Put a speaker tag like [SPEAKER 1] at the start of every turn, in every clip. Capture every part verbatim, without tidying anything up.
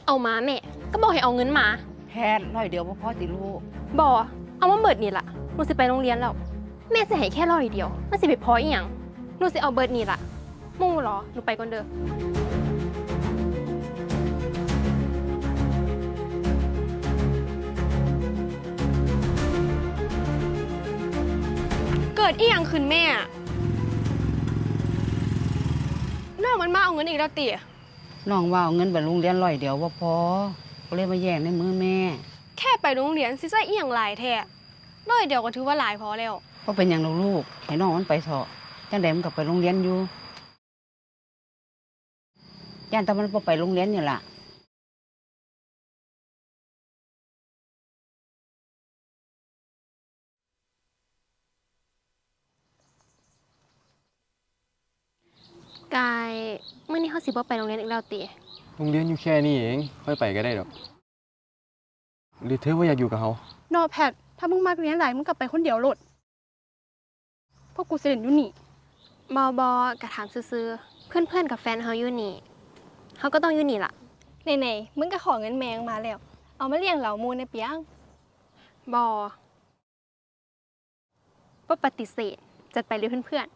[SPEAKER 1] เอามาแม่ก็บอกให้เอาเงินมา
[SPEAKER 2] แพทย์ร้อยเดียวพ่อติลูก
[SPEAKER 1] บอเอามาเบิดนี่ล่ะหนูสิไปโรงเรียนแล้วแม่สิให้แค่ร้อยเดียวมันสิไปพออีหยังหนูสิเอาเบิดนี่ล่ะมู่หรอหนูไปก่อนเด้อเกิดอีหยังขึ้นแม่น้องมันมาเอาเงินอีกแล้วติ
[SPEAKER 2] น้องว่าเอาเงินไปโรงเรียนร้อยเดียวว่าพอก็เลยมาแย่งในมือแม่
[SPEAKER 1] แค่ไปโรงเรียนสิใส่อีหยังหลายแท้ร้อยเดียวก็ถือว่าหลายพอแล้ว
[SPEAKER 2] ก็เป็นอย่างลูกให้น้องมันไปเถอะจังใดมันก็ไปโรงเรียนอยู่ย่านแต่มันบ่ไปโรงเรียนนี่ล่ะ
[SPEAKER 1] กายเมื่อนี้เขาสิบ่ไปโรงเรียนอีกแล้วติ
[SPEAKER 3] โรงเรียนอยู่แค่นี้เองค่อยไปก็ได้ดอกหรือเธอว่าอยากอยู่กับเขา
[SPEAKER 1] นอแพทถ้ามึงมักเรียนหลายมึงกลับไปคนเดียวโลดพวกกูสิเล่นอยู่นี่บอบอกระถามซื่อๆเพื่อนๆกับแฟนเขาอยู่นี่เขาก็ต้องอยู่นี่ล่ะไหนๆมึงก็ขอเงินแมงมาแล้วเอามาเลี้ยงเหล่ามูในเปียงบอบ่ปฏิเสธจัดไปเลยเพื่อนๆ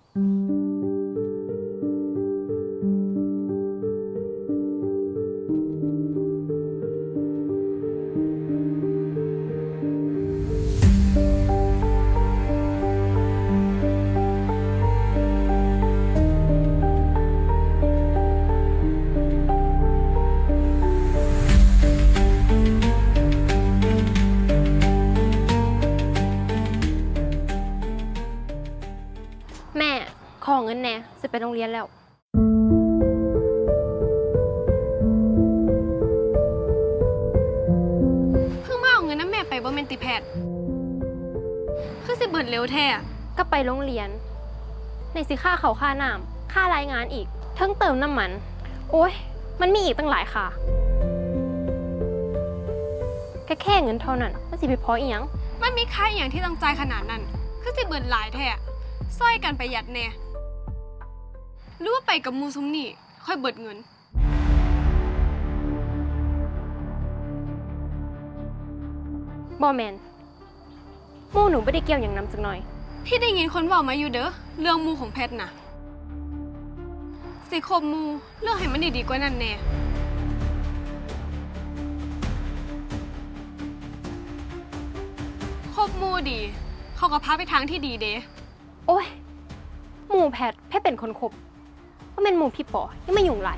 [SPEAKER 1] แม่ขอเงินแน่จะไปโรงเรียนแล้วเพิ่งมาเอาเงินน้ำแม่ไปบ่แม่นติแพทย์คือสิเบิดเร็วแท้ก็ไปโรงเรียนในสิค่าเขาค่าน้ำค่ารายงานอีกทั้งเติมน้ำมันโอ้ยมันมีอีกตั้งหลายค่ะแค่แค่เงินเท่านั้นมันสิไปพออีหยังมันมีค่าอีหยังที่ต้องจ่ายขนาดนั้นคือสิเบิดหลายแท้ซอยกันประหยัดแน่หรือว่าไปกับมูซุมนี่ค่อยเบิดเงินบอแมนมูหนูไม่ได้เกี่ยวอย่างน้ำจักหน่อยพี่ได้ยินคนบอกมาอยู่เด้อเรื่องมูของแพทน่ะสิคบมูเรื่องให้มันดีๆกว่านั้นแน่คบมูดีเขาก็พาไปทางที่ดีเด้โอ้ยหมู่แพทย์แพทย์เป็นคนคบว่าเป็นหมู่พี่ปอยังไม่ยุ่งไร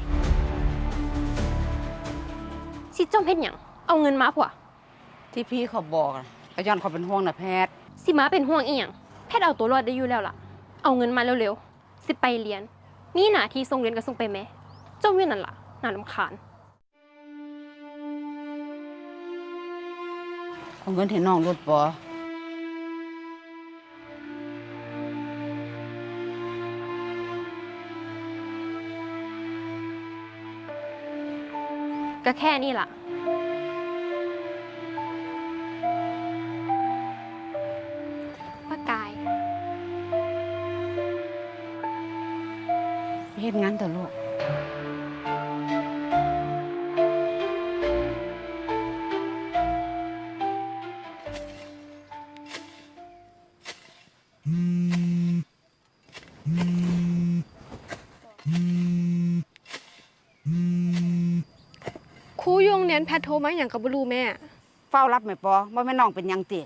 [SPEAKER 1] สิจอมเพชรหยังเอาเงินมาผัว
[SPEAKER 2] ที่พี่เขาบอกก็ย้อนเขาเป็นห่วงนะแพทย์
[SPEAKER 1] สิมาเป็นห่วงอีหยังแพทย์เอาตัวรอดได้อยู่แล้วล่ะเอาเงินมาเร็วๆสิไปเรียนมีหน้าที่ส่งเรียนก็ส่งไปแม่จมอยู่นั่นล่ะน่ารำคาญ
[SPEAKER 2] เอาเงินให้น้องรถปอ
[SPEAKER 1] ก็แค่นี้ล่ะป้ากาย
[SPEAKER 2] เฮ็ดงานเถอะลูก
[SPEAKER 1] ครูยงเรียนแพทโทรมาอย่างกับบลูแม่
[SPEAKER 2] เฝ้ารับไหมปอว่าแม่น้องเป็นยังติ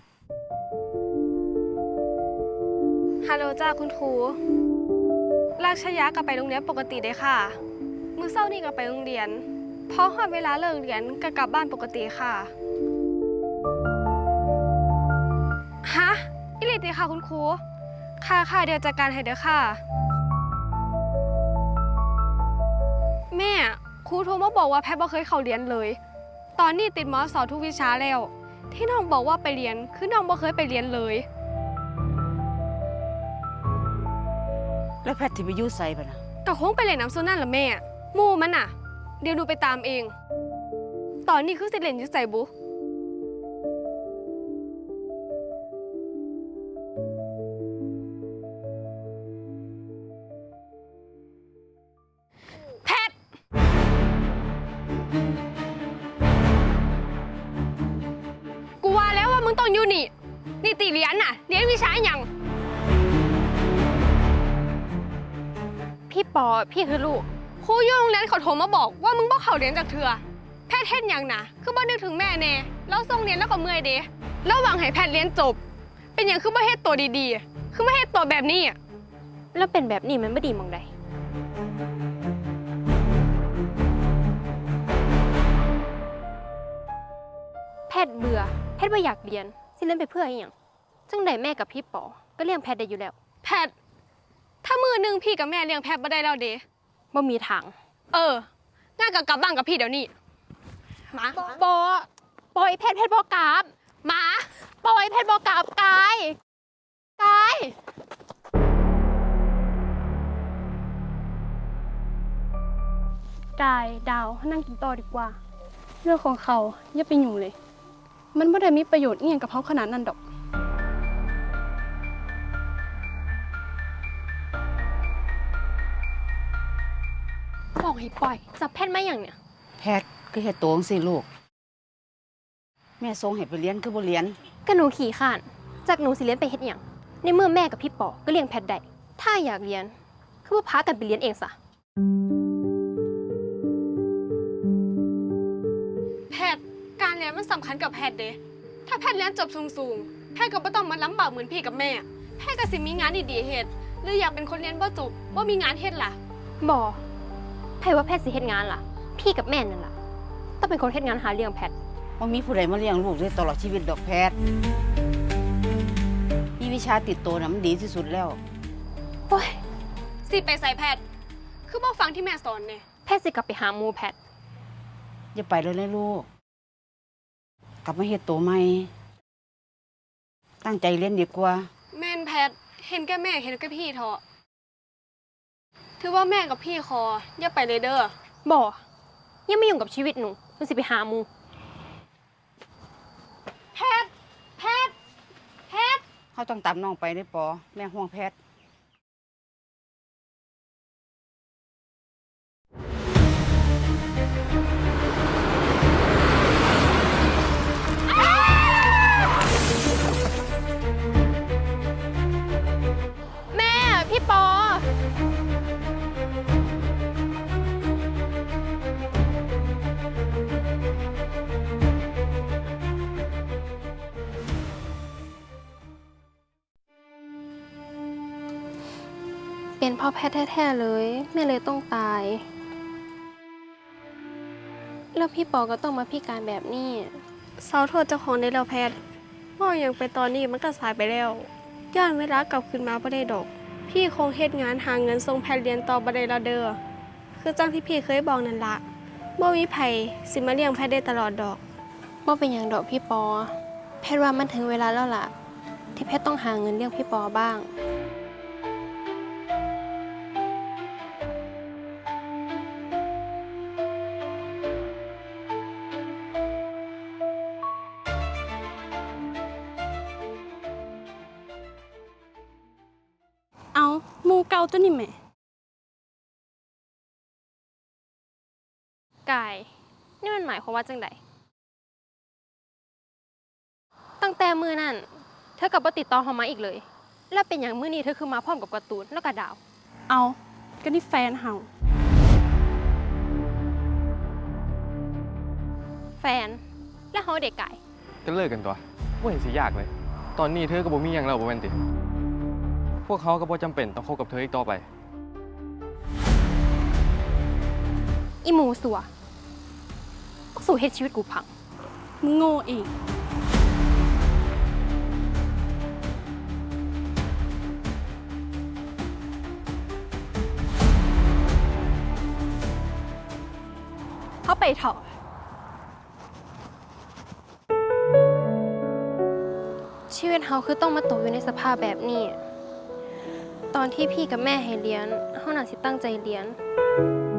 [SPEAKER 1] ฮัลโหลจ้าคุณครูราชยะกลับไปโรงเรียนปกติได้ค่ะมื้อเช้านี่ก็ไปโรงเรียนพอฮอดเวลาเลิกเรียนก็กลับบ้านปกติค่ะฮะอิลิติค่ะคุณครูค่ะค่ะเดี๋ยวจัดการให้เด้อค่ะแม่ครูโทรมาบอกว่าแพทย์บ่เคยเข้าเรียนเลยตอนนี้ติดม.ส.ทุกวิชาแล้วที่น้องบอกว่าไปเรียนคือน้องบ่เคยไปเรียนเลย
[SPEAKER 2] แล้วแพทย์ที่ไปอยู่ไสบ่น่ะ
[SPEAKER 1] ก็คงไปเล่นน้ำโซนั่นล่ะแม่หมู่มันน่ะเดี๋ยวหนูไปตามเองตอนนี้คือสิเล่นอยู่ไสบุแพทย์งต้องอยู่นี่นี่ตีเรียนน่ะเรียนวิชาอย่างพี่ปอพี่คือลูกครูอยู่โรงเรียนเขาโทรมาบอกว่ามึงบ่เข้าเรียนจากเถื่อแพทย์เฮ็ดหยังนะคือบ่นึกถึงแม่แน่แล้วส่งเรียนแล้วก็เมื่อยเด้แล้วหวังให้แพทย์เรียนจบเป็นหยังคือบ่เฮ็ดตัวดีๆคือบ่เฮ็ดตัวแบบนี้อ่ะแล้วเป็นแบบนี้มันบ่ดีมองใดแพทย์เบื่อแพทย์บ่อยากเรียนสิเรียนไปเพื่ออีหยังจังไดแม่กับพี่ปอก็เลี้ยงแพทย์ได้อยู่แล้วแพทย์ถ้ามือนึงพี่กับแม่เลี้ยงแพทย์บ่ได้แล้วเด้บ่มีทางเอองานกับกลับบ้านกับพี่เดี๋ยวนี้มาปอปอยแพทย์แพทย์บอกกลับมาปอยแพทย์บอกกลับกายกายกายดาวนั่งกินต่อดีกว่าเรื่องของเขาอย่าไปยุ่งเลยมันไม่ได้มีประโยชน์เงี้ยกับเขาขนาดนั้นดอกบอกให้ปล่อยจับแพทย์มาอย่างเนี้ย
[SPEAKER 2] แพทย์ก็เฮ็ดโตจังซี่ลูกแม่ส่งให้ไปเรียนคือบ่เรียน
[SPEAKER 1] ก็หนูขี่ข้านจากหนูสิเรียนไปเฮ็ดหยังในเมื่อแม่กับพี่ปอก็เลี้ยงแพทย์ได้ถ้าอยากเรียนคือว่าพากันไปเรียนเองซะแพทย์การเรียนมันสำคัญกับแพทย์เด้ถ้าแพทย์เรียนจบสูงๆแพทย์ก็บ่ต้องมาลำบากเหมือนพี่กับแม่แพทย์ก็สิมีงานดีๆเฮ็ดหรืออยากเป็นคนเรียนบ่จบบ่มีงานเฮ็ดล่ะบ่แพทย์ว่าแพทย์สิเฮ็ดงานล่ะพี่กับแม่นั่นล่ะต้องเป็นคนเฮ็ดงานหาเลี้ยงแพทย์
[SPEAKER 2] บ่มีผู้ใดมาเลี้ยงลูกได้ตลอดชีวิตดอกแพทย์มีวิชาติดตัวน่ะมันดีที่สุดแล้ว
[SPEAKER 1] โอ้ยสิไปใส่แพทย์คือบ่ฟังที่แม่สอนแน่แพทย์สิกลับไปหาหมู่แพทย์
[SPEAKER 2] อย่าไปเลยนะลูกกลับมาเฮ็ดโตใหม่ตั้งใจเรียนดีกว่า
[SPEAKER 1] แม่นแพทย์เห็นแก่แม่เห็นแก่พี่เถอะถือว่าแม่กับพี่คออย่าไปเลยเด้อบ่ยังไม่ยุ่งกับชีวิตหนูหนูสิไปหาหมู่แพทย์แพทย์แพทย์
[SPEAKER 2] เฮาต้องตามน้องไปเด้อปอแม่ห่วงแพทย์
[SPEAKER 1] แม่พี่ปอเป็นพ่อแพทย์แท้ๆเลยแม่เลยต้องตายแล้วพี่ปอก็ต้องมาพิการแบบนี้เศร้าโทษเจ้าของได้แล้วแพทย์ว่าอย่างไปตอนนี้มันก็สายไปแล้วย้อนเวลากลับคืนมาบ่ได้ดอกพี่คงเฮ็ดงานหาเงินส่งแพทย์เรียนต่อบ่ได้แล้วเด้อคือจังที่พี่เคยบอกนั่นละบ่มีไผสิมาเลี้ยงแพทย์ได้ตลอดดอกบ่เป็นหยังดอกพี่ปอแพทย์ว่ามันถึงเวลาแล้วล่ะที่แพทย์ต้องหาเงินเลี้ยงพี่ปอบ้างเอาหมูเก่าตัวนี้แม่กายนี่มันหมายความว่าจังไดตั้งแต่มือนั่นเธอกับบ่ติดต่อเขามาอีกเลยแล้วเป็นอย่างมื้อนี้เธอคือมาพร้อมกับการ์ตูนแล้วก็ดาวเอาก็นี่แฟนเฮาแฟนแล้วเฮาเด็กกาย
[SPEAKER 3] ก็เลิกกันตัวบ่เห็นสิยากเลยตอนนี้เธอก็บ่มีหยังแล้วบ่แม่นติพวกเขาก็บ่จำเป็นต้องคบกับเธออีกต่อไป
[SPEAKER 1] อีหมูสัวสู่เฮ็ดชีวิตกูพังมึงโง่เองเขาไปเถอะชีวิตเขาคือต้องมาตกอยู่ในสภาพแบบนี้ตอนที่พี่กับแม่ให้เรียนเขาน่าสิตั้งใจเรียน